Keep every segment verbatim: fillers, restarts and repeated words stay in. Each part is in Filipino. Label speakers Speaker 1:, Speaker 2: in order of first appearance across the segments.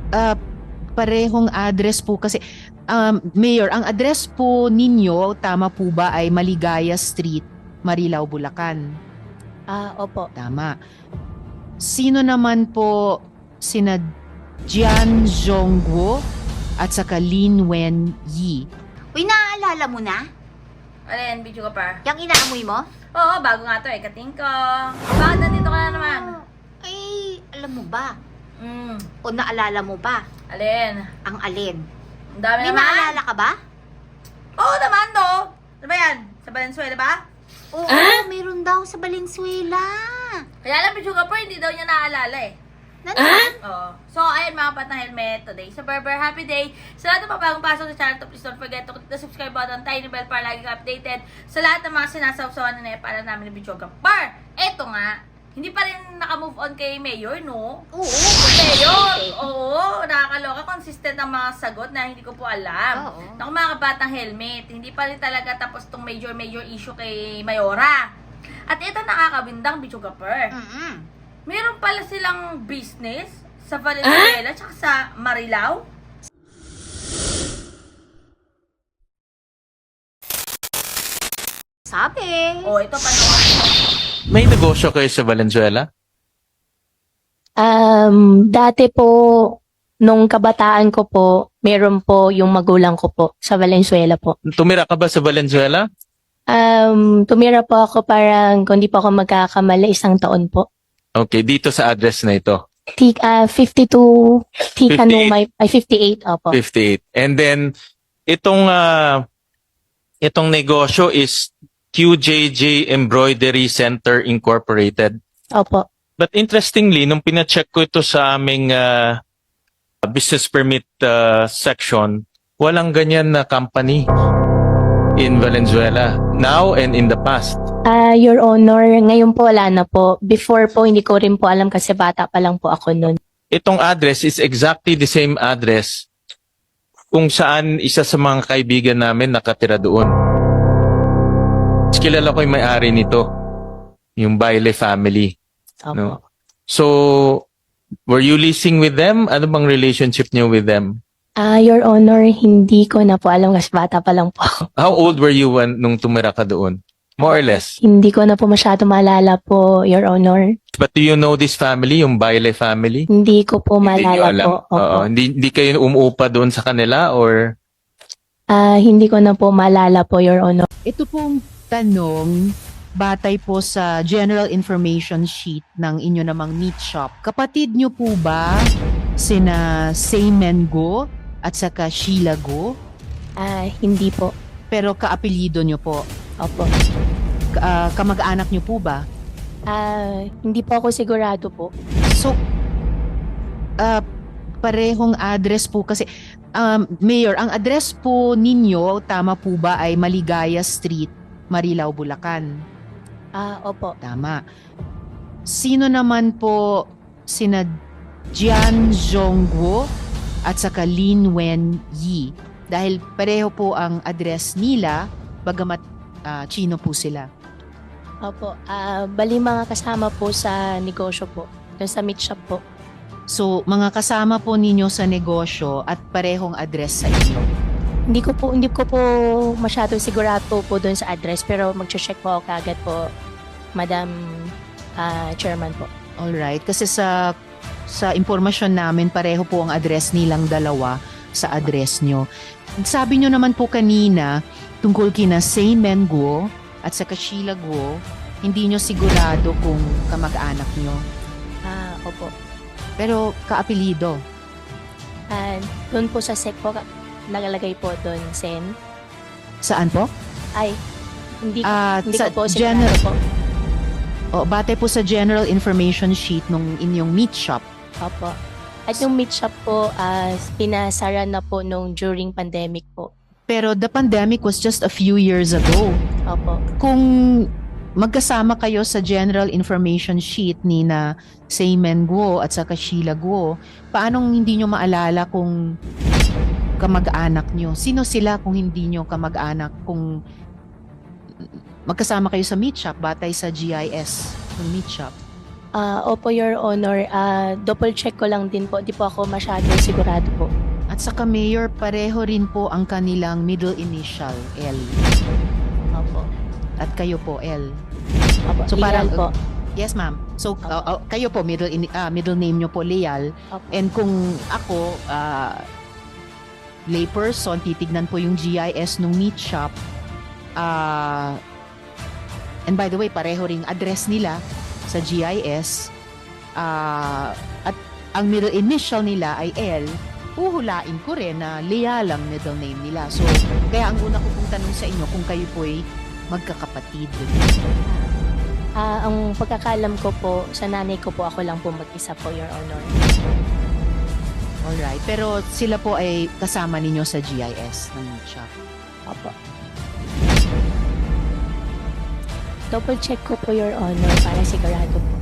Speaker 1: Ah, parehong address po kasi, um, Mayor, ang address po ninyo, tama po ba, ay Maligaya Street, Marilao, Bulacan?
Speaker 2: Ah, opo.
Speaker 1: Tama. Sino naman po sina Jian Zhongguo at saka Lin Wen Yi?
Speaker 3: Uy, naaalala mo na?
Speaker 4: Alin, video ka pa?
Speaker 3: Yung inaamoy mo?
Speaker 4: Oo, bago nga to eh, katingkong. Bakit nandito ka na naman?
Speaker 3: Ay, alam mo ba?
Speaker 4: Hmm,
Speaker 3: O naalala mo ba?
Speaker 4: alin?
Speaker 3: Ang alin?
Speaker 4: Ang dami
Speaker 3: May
Speaker 4: naman.
Speaker 3: naalala ka ba?
Speaker 4: Oo naman to. Ano ba yan? Sa Valenzuela ba?
Speaker 3: Oo, meron daw sa Valenzuela.
Speaker 4: Kaya lang, video ka pa, hindi daw niya naaalala eh.
Speaker 3: Nandun?
Speaker 4: Oo. So, ayun mga pat na helmet today. So, Berber, happy day. Sa lahat ng mga bagong pasok sa channel to, please don't forget to click the subscribe button, tiny bell para lagi ka updated sa lahat ng mga sinasawsawan na para namin ng video ka. Par! Eto nga, hindi pa rin naka-move on kay Mayor, no?
Speaker 3: Oo.
Speaker 4: Mayor! Oo, nakakaloka. Consistent ang mga sagot na hindi ko po alam.
Speaker 3: Oo.
Speaker 4: Naku mga kabatang helmet, hindi pa rin talaga tapos tong major major issue kay Mayora. At ito nakakabindang video ka, Per.
Speaker 3: Mm-mm.
Speaker 4: Meron pala silang business sa Valenzuela tsaka sa Marilao.
Speaker 3: Sabi.
Speaker 4: O, ito panoorin mo.
Speaker 5: May negosyo kayo sa Valenzuela?
Speaker 2: Um, dati po, nung kabataan ko po, meron po yung magulang ko po sa Valenzuela po.
Speaker 5: Tumira ka ba sa Valenzuela?
Speaker 2: Um, tumira po ako parang, kung di po ako magkakamali, isang taon po.
Speaker 5: Okay, dito sa address na ito,
Speaker 2: T uh, fifty-two, Tika Numay, ay fifty-eight, opo.
Speaker 5: fifty-eight. And then, itong, ah, itong negosyo is Q J J Embroidery Center Incorporated.
Speaker 2: Opo.
Speaker 5: But interestingly, nung pina-check ko ito sa aming ah, business permit ah, section, walang ganyan na company in Valenzuela now and in the past.
Speaker 2: Ah, Your Honor, ngayon po wala na po. Before po, hindi ko rin po alam kasi bata pa lang po ako noon.
Speaker 5: Itong address is exactly the same address kung saan isa sa mga kaibigan namin nakatira doon. Kilala ko yung may-ari nito, yung Baile family.
Speaker 2: Opo.
Speaker 5: No? So, were you leasing with them? Ano bang relationship niyo with them?
Speaker 2: Ah, Your Honor, hindi ko na po alam kasi bata pa lang po ako.
Speaker 5: How old were you when, nung tumira ka doon? More or less.
Speaker 2: Hindi ko na po masyado maalala po, Your Honor.
Speaker 5: But do you know this family, yung Baile family?
Speaker 2: Hindi ko po
Speaker 5: Hindi niyo
Speaker 2: maalala
Speaker 5: alam.
Speaker 2: po. Opo.
Speaker 5: Oo, hindi, hindi kayo umuupa doon sa kanila or...
Speaker 2: Ah, hindi ko na po maalala po, Your Honor.
Speaker 1: Ito pong tanong, batay po sa general information sheet ng inyo namang meat shop. Kapatid nyo po ba sina Seymen Go at saka Sheila Go?
Speaker 2: Ah, hindi po.
Speaker 1: Pero kaapelido nyo po.
Speaker 2: Opo.
Speaker 1: Ka- ah, kamag-anak nyo po ba?
Speaker 2: Ah, hindi po ako sigurado po.
Speaker 1: So, ah, parehong address po kasi, um, Mayor, ang address po ninyo, tama po ba, ay Maligaya Street, Marilao, Bulacan?
Speaker 2: Ah, opo.
Speaker 1: Tama. Sino naman po sina Jian Zhongguo at saka Lin Wen Yi? Dahil pareho po ang address nila, bagamat ah, Chino po sila.
Speaker 2: Opo. Ah, bali mga kasama po sa negosyo po. Doon sa meat shop po.
Speaker 1: So, mga kasama po ninyo sa negosyo at parehong address sa inyo.
Speaker 2: Hindi ko po, hindi ko po masyado sigurado po doon sa address pero magche-check po ako kagad po, Madam ah, Chairman po.
Speaker 1: Alright, kasi sa sa impormasyon namin, pareho po ang address nilang dalawa sa address nyo. Sabi nyo naman po kanina, tungkol kina Seymen Guo at saka Sheila Guo, hindi nyo sigurado kung kamag-anak nyo.
Speaker 2: Ah, opo.
Speaker 1: Pero kaapelido.
Speaker 2: Ah, doon po sa sec po, nagalagay po doon, Sen.
Speaker 1: Saan po?
Speaker 2: Ay, hindi, ko-
Speaker 1: Ah,
Speaker 2: hindi
Speaker 1: sa
Speaker 2: ko po sigurado
Speaker 1: general,
Speaker 2: po.
Speaker 1: o, bate po sa general information sheet nung inyong meat shop.
Speaker 2: Opo. At yung meat shop po, ah, pinasara na po nung during pandemic po.
Speaker 1: Pero the pandemic was just a few years ago.
Speaker 2: Opo.
Speaker 1: Kung magkasama kayo sa general information sheet ni na Seymen Guo at saka Sheila Guo, paanong hindi nyo maalala kung kamag-anak nyo? Sino sila kung hindi nyo kamag-anak? Kung magkasama kayo sa meat shop, batay sa G I S ng meat shop.
Speaker 2: Ah, opo, Your Honor. Ah, double check ko lang din po. Di po ako masyado sigurado po.
Speaker 1: At saka Mayor, pareho rin po ang kanilang middle initial, L.
Speaker 2: Opo.
Speaker 1: At kayo po, L.
Speaker 2: Opo.
Speaker 1: So,
Speaker 2: Leal
Speaker 1: parang-
Speaker 2: po.
Speaker 1: Yes, ma'am. So, uh, uh, kayo po, middle, in, ah, middle name nyo po, Leal.
Speaker 2: Opo.
Speaker 1: And kung ako, ah, layperson, titignan po yung G I S nung meat shop. Ah, and by the way, pareho ring address nila sa G I S. Ah, at ang middle initial nila ay L. Uhulain ko rin na Leal ang middle name nila. So, kaya ang una ko pong tanong sa inyo kung kayo po ay magkakapatid.
Speaker 2: Ah, ang pagkakalam ko po, sa nanay ko po, ako lang po mag-isa po, Your Honor.
Speaker 1: Alright. Pero sila po ay kasama ninyo sa G I S ng meat shop.
Speaker 2: Opo. Double check ko po, Your Honor, para sigurado po.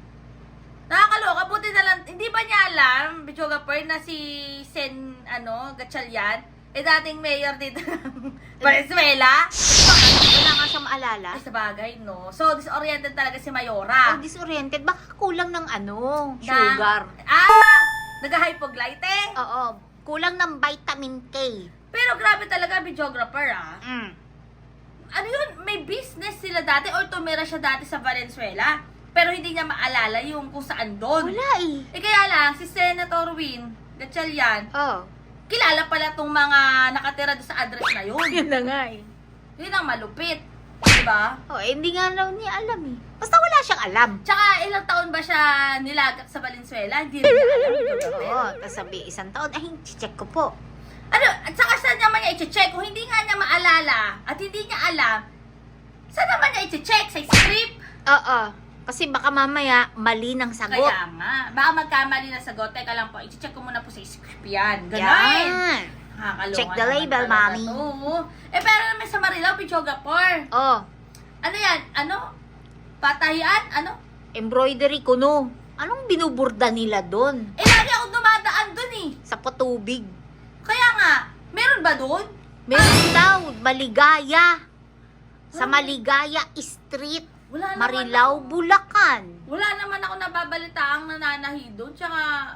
Speaker 4: Nakakaloka, buti na lang, hindi ba niya alam, Bichoga Per, na si Sen, ano, Gatchalian, eh dating mayor dito ng Valenzuela?
Speaker 3: Wala nga siyang maalala.
Speaker 4: Ay, sa bagay, no? So, disoriented talaga si Mayora.
Speaker 3: Oh, disoriented. Baka kulang ng ano,
Speaker 4: Na-
Speaker 3: sugar.
Speaker 4: Ah! Nag-hypoglyte
Speaker 3: Oo, kulang ng vitamin K.
Speaker 4: Pero grabe talaga, videographer, ah.
Speaker 3: Mm.
Speaker 4: Ano yun? May business sila dati or tumira siya dati sa Valenzuela. Pero hindi niya maalala yung kung saan doon.
Speaker 3: Wala eh.
Speaker 4: Eh kaya lang, si Senator Win Gatchalian,
Speaker 3: Oh.
Speaker 4: kilala pala tong mga nakatira doon sa address na yun.
Speaker 3: Yun na nga eh.
Speaker 4: Yun ang malupit. Diba?
Speaker 3: Oh, eh, hindi nga raw niya alam eh. Basta wala siyang alam.
Speaker 4: Tsaka ilang taon ba siya nilagak sa Valenzuela? Hindi rin niya alam. videographer.
Speaker 3: Oo, tapos sabi isang taon, ay, check ko po.
Speaker 4: Ano, at saka saan naman niya i-check? Kung hindi nga niya maalala at hindi niya alam, saan naman niya i-check? Sa script?
Speaker 3: Oo. Kasi baka mamaya mali ng sagot.
Speaker 4: Kaya nga. Baka magkamali na sagot. Teka lang po, i-check ko muna po sa script yan. Ganon.
Speaker 3: Yan.
Speaker 4: Nakakaloka
Speaker 3: Check the
Speaker 4: naman
Speaker 3: label,
Speaker 4: talaga
Speaker 3: mami.
Speaker 4: to. Eh, pero naman sa Marilao, Pichogapor.
Speaker 3: Oh,
Speaker 4: Ano yan? Ano? Patayan? Ano?
Speaker 3: embroidery kuno. Anong binuburda nila doon?
Speaker 4: Eh, lagi ako dumadaan dun eh.
Speaker 3: Sa patubig.
Speaker 4: Kaya nga, meron ba dun?
Speaker 3: Meron daw, Maligaya. Sa Maligaya Street,
Speaker 4: Wala naman
Speaker 3: Marilao,
Speaker 4: ako-
Speaker 3: Bulacan.
Speaker 4: Wala naman ako nababalitaang nananahi doon. Tsaka...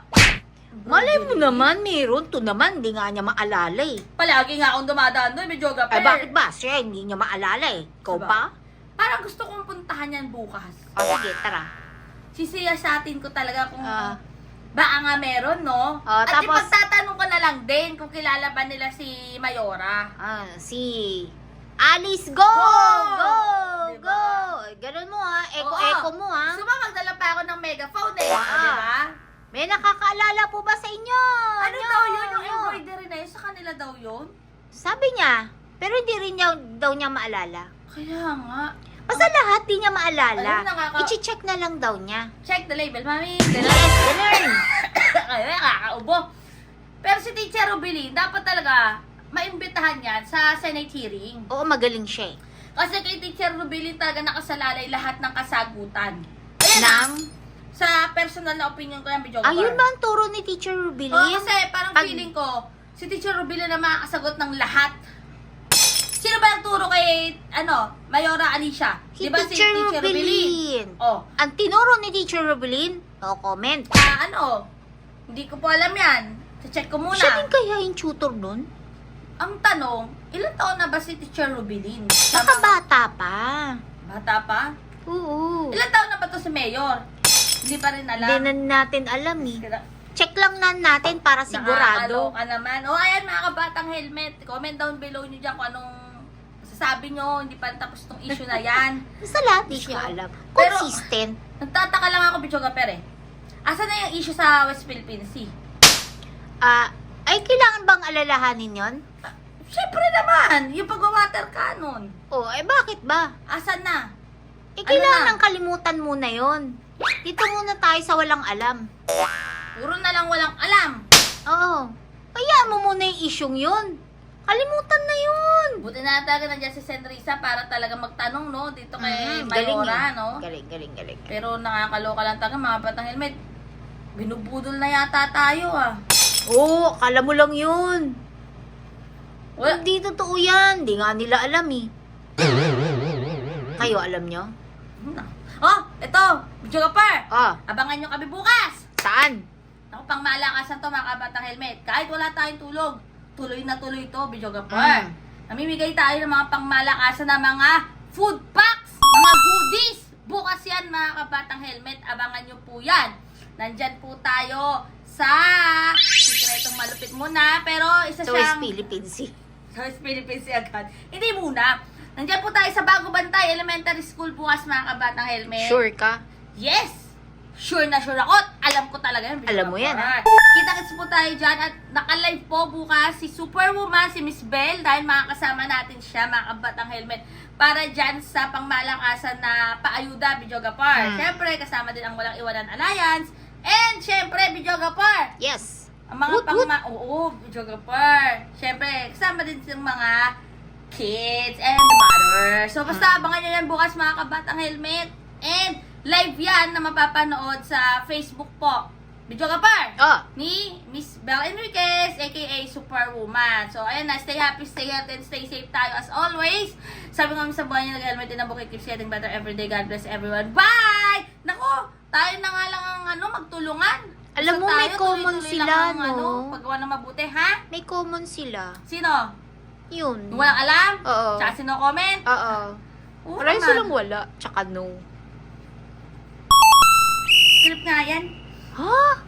Speaker 3: Malay mo naman, meron. To naman, hindi nga niya maalala eh.
Speaker 4: Palagi nga akong dumadaan doon, may joga
Speaker 3: Ay, bakit ba? Siya, hindi niya maalala eh. Ikaw
Speaker 4: Diba?
Speaker 3: pa?
Speaker 4: Parang gusto kong puntahan yan bukas.
Speaker 3: O, sige, tara.
Speaker 4: Sisiyasatin ko talaga kung
Speaker 3: Ah.
Speaker 4: baka nga meron, no?
Speaker 3: Ah,
Speaker 4: At
Speaker 3: tapos-
Speaker 4: ipagtatanong ko na lang din kung kilala ba nila si Mayora.
Speaker 3: Ah, si Alice, go!
Speaker 4: Go!
Speaker 3: Go!
Speaker 4: Diba?
Speaker 3: Go! Ganun mo ha.
Speaker 4: Oo.
Speaker 3: Eko-eko mo ha.
Speaker 4: Gusto mo magdala pa ako ng megaphone eh,
Speaker 3: Ah.
Speaker 4: ah. di ba?
Speaker 3: May nakakaalala po ba sa inyo?
Speaker 4: Ano
Speaker 3: Nyo,
Speaker 4: daw yun? Yung
Speaker 3: nyo?
Speaker 4: embroidery na yun? Sa kanila daw yun?
Speaker 3: Sabi niya, pero hindi rin niya, daw niya maalala.
Speaker 4: Kaya nga.
Speaker 3: Basta lahat di niya maalala.
Speaker 4: Alam, nakaka-
Speaker 3: I-check na lang daw niya.
Speaker 4: Check the label, mami.
Speaker 3: Yes, ganun.
Speaker 4: Ay, nakakaubo. Pero si Teacher Rubilin, dapat talaga maimbitahan yan sa Senate hearing.
Speaker 3: Oo, magaling siya eh.
Speaker 4: Kasi kay Teacher Rubilin talaga nakasalalay lahat ng kasagutan. Ayan na,
Speaker 3: Nang,
Speaker 4: sa personal na opinion ko yan, Bidyo
Speaker 3: ayun ba ang turo ni Teacher Rubilin?
Speaker 4: Oo, kasi parang
Speaker 3: Pag-
Speaker 4: feeling ko, si Teacher Rubilin na makakasagot ng lahat. Sino ba nagturo kay, ano, Mayora Alicia?
Speaker 3: Si
Speaker 4: Di ba si
Speaker 3: Teacher
Speaker 4: Teacher Rubilin?
Speaker 3: Rubilin.
Speaker 4: Oh,
Speaker 3: Ang tinuro ni Teacher Rubilin, no comment.
Speaker 4: ah, ano, hindi ko po alam yan. Check ko muna.
Speaker 3: Siya din kaya yung tutor nun?
Speaker 4: Ang tanong, ilang taon na ba si Teacher Rubilin?
Speaker 3: Saka bata pa.
Speaker 4: Bata pa?
Speaker 3: Oo.
Speaker 4: Ilang taon na ba to si Mayor? Hindi pa rin alam.
Speaker 3: Hindi na natin alam eh.
Speaker 4: Kaya-
Speaker 3: Check lang na natin para sigurado.
Speaker 4: Nakakaloka naman. O, ayan mga kabatang helmet. Comment down below nyo dyan kung anong sasabi nyo. Hindi pa tapos tong issue na yan.
Speaker 3: Basta lahat di siya alam.
Speaker 4: Pero-
Speaker 3: Consistent.
Speaker 4: Nagtataka lang ako, Bichoga Per eh. Asa na yung issue sa West Philippine Sea?
Speaker 3: Ah, ay kailangan bang alalahanin yon?
Speaker 4: Siyempre naman, yung pag-water cannon.
Speaker 3: Oh, eh bakit ba?
Speaker 4: Asan na?
Speaker 3: Eh
Speaker 4: Ano
Speaker 3: kailangan
Speaker 4: na?
Speaker 3: nang kalimutan muna yon. Dito muna tayo sa walang alam.
Speaker 4: Puro na lang walang alam.
Speaker 3: Oo. Kaya mo muna yung isyong yun. Kalimutan na yun.
Speaker 4: Buti na talaga nandiyan si Senrisa para talaga magtanong, no? Dito kay
Speaker 3: Mhm, galing
Speaker 4: Mayora,
Speaker 3: eh.
Speaker 4: no?
Speaker 3: Galing, galing, galing.
Speaker 4: Pero nakakaloka lang talaga, mga batang helmet. Binubudol na yata tayo, ah.
Speaker 3: Oo, akala mo lang yun.
Speaker 4: Wala.
Speaker 3: Hindi totoo yan. Hindi nga nila alam eh. Kayo alam nyo?
Speaker 4: Oh, ito, Video Gapar.
Speaker 3: Oh,
Speaker 4: Abangan nyo kami bukas.
Speaker 3: saan?
Speaker 4: Ako, pang malakasan to mga kabatang helmet. Kahit wala tayong tulog, tuloy na tuloy to, Video Gapar.
Speaker 3: Mm.
Speaker 4: Namimigay tayo ng mga pangmalakasan na mga food packs, mga goodies. Bukas yan mga kabatang helmet. Abangan nyo po yan. Nandyan po tayo sa sikretong malupit muna. Pero isa
Speaker 3: So,
Speaker 4: siyang...
Speaker 3: Philippines.
Speaker 4: Sa West Philippines agad. Hindi muna. Nandyan po tayo sa Bago Bantay Elementary School bukas mga kabatang helmet.
Speaker 3: Sure ka?
Speaker 4: Yes! Sure na sure ako. Alam ko talaga yan.
Speaker 3: Alam mo yan, ha?
Speaker 4: Kita-kits po tayo dyan at naka-live po bukas si Superwoman, si Miss Belle, dahil makakasama natin siya, mga kabatang helmet, para dyan sa pangmalakasan na paayuda, Video Gapar.
Speaker 3: Hmm.
Speaker 4: Siyempre, kasama din ang Walang Iwanan Alliance. And siyempre, Video Gapar,
Speaker 3: Yes.
Speaker 4: ang mga
Speaker 3: Woot,
Speaker 4: pangma... Oo, Video Gapar. Siyempre, kasama din yung mga kids and the mother. So, basta abangan nyo yan bukas mga kabatang helmet. And live yan na mapapanood sa Facebook po. Video Gapar
Speaker 3: Oh,
Speaker 4: ni Miss Belle Enriquez, aka Superwoman. So, ayan na. Stay happy, stay healthy, and stay safe tayo as always. Sabi nga sa buhay niya, nag-helmet din ang bukay. Keeps getting better every day. God bless everyone. Bye! Nako, tayo na nga lang ang ano, magtulungan.
Speaker 3: Alam mo,
Speaker 4: Basta
Speaker 3: may
Speaker 4: tayo,
Speaker 3: common
Speaker 4: tuloy-tuloy
Speaker 3: sila,
Speaker 4: lang ang,
Speaker 3: no?
Speaker 4: Ano, paggawa ng mabuti, ha?
Speaker 3: may common sila.
Speaker 4: Sino?
Speaker 3: Yun.
Speaker 4: Yung walang alam?
Speaker 3: Oo.
Speaker 4: Tsaka sino comment?
Speaker 3: Oo.
Speaker 4: Oo
Speaker 3: Maraming
Speaker 4: naman.
Speaker 3: silang wala. Tsaka no.
Speaker 4: Script nga yan.
Speaker 3: Ha?